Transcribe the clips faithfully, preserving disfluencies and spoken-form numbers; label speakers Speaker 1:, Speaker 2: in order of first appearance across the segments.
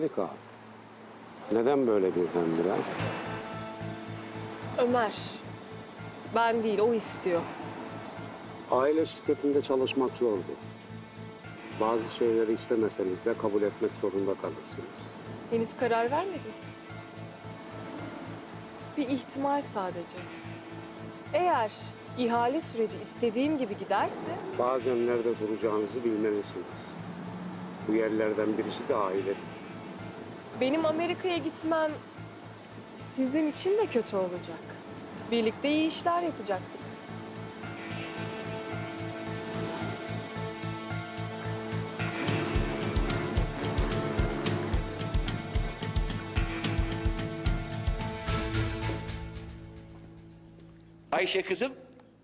Speaker 1: Harika. Neden böyle birdenbire?
Speaker 2: Ömer. Ben değil, o istiyor.
Speaker 1: Aile şirketinde çalışmak zordur. Bazı şeyleri istemeseniz de kabul etmek zorunda kalırsınız.
Speaker 2: Henüz karar vermedim. Bir ihtimal sadece. Eğer ihale süreci istediğim gibi giderse...
Speaker 1: Bazen nerede duracağınızı bilmelisiniz. Bu yerlerden birisi de ailedir.
Speaker 2: Benim Amerika'ya gitmem sizin için de kötü olacak. Birlikte iyi işler yapacaktık.
Speaker 3: Ayşe kızım,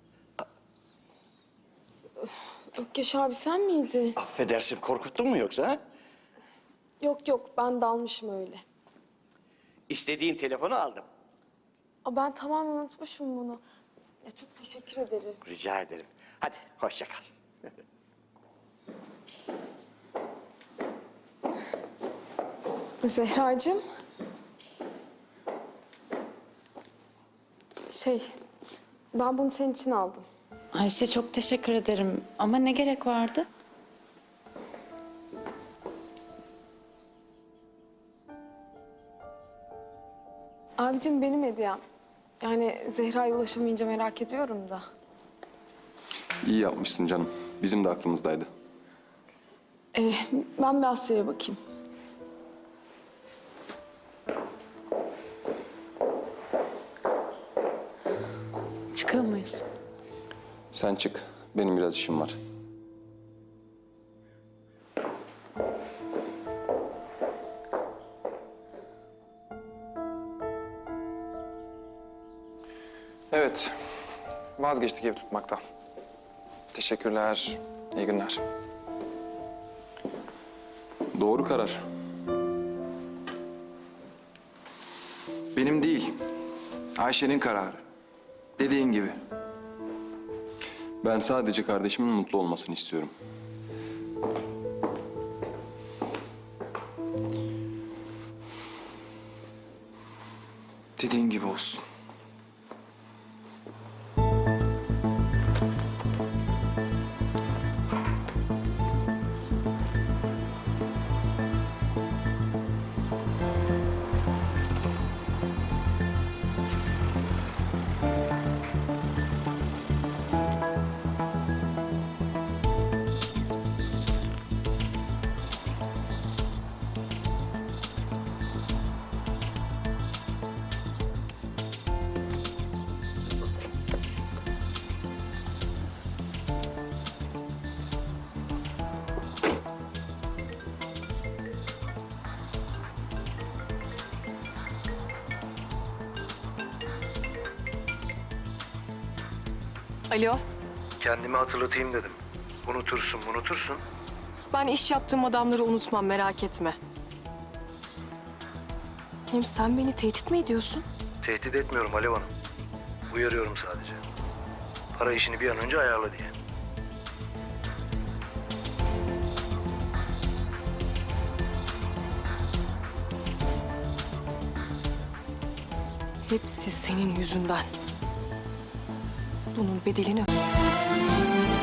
Speaker 4: Ökkeş abi sen miydin?
Speaker 3: affedersin korkuttun mu yoksa ha?
Speaker 4: Yok yok ben dalmışım öyle.
Speaker 3: İstediğin telefonu aldım.
Speaker 4: Aa, ben tamamen unutmuşum bunu. Ya çok teşekkür ederim.
Speaker 3: Rica ederim. Hadi hoşça kal.
Speaker 4: Zehracığım. Şey, ben bunu senin için aldım.
Speaker 5: Ayşe çok teşekkür ederim ama ne gerek vardı?
Speaker 4: Abicim benim hediyem. Yani Zehra'ya ulaşamayınca merak ediyorum da.
Speaker 6: İyi yapmışsın canım. Bizim de aklımızdaydı.
Speaker 4: Ee, ben bir Asya'ya bakayım.
Speaker 5: Çıkıyor muyuz?
Speaker 6: Sen çık. Benim biraz işim var.
Speaker 7: Evet, vazgeçtik ev tutmaktan. Teşekkürler, iyi günler.
Speaker 6: Doğru karar.
Speaker 7: Benim değil, Ayşe'nin kararı. Dediğin gibi.
Speaker 6: Ben sadece kardeşimin mutlu olmasını istiyorum.
Speaker 7: Dediğin gibi olsun.
Speaker 2: Alo,
Speaker 8: Kendimi hatırlatayım dedim. Unutursun, unutursun.
Speaker 2: ben iş yaptığım adamları unutmam, merak etme. Hem sen beni tehdit mi ediyorsun?
Speaker 8: Tehdit etmiyorum Alev Hanım. Uyarıyorum sadece. Para işini bir an önce ayarla diye.
Speaker 2: Hepsi senin yüzünden. Bunun bedelini...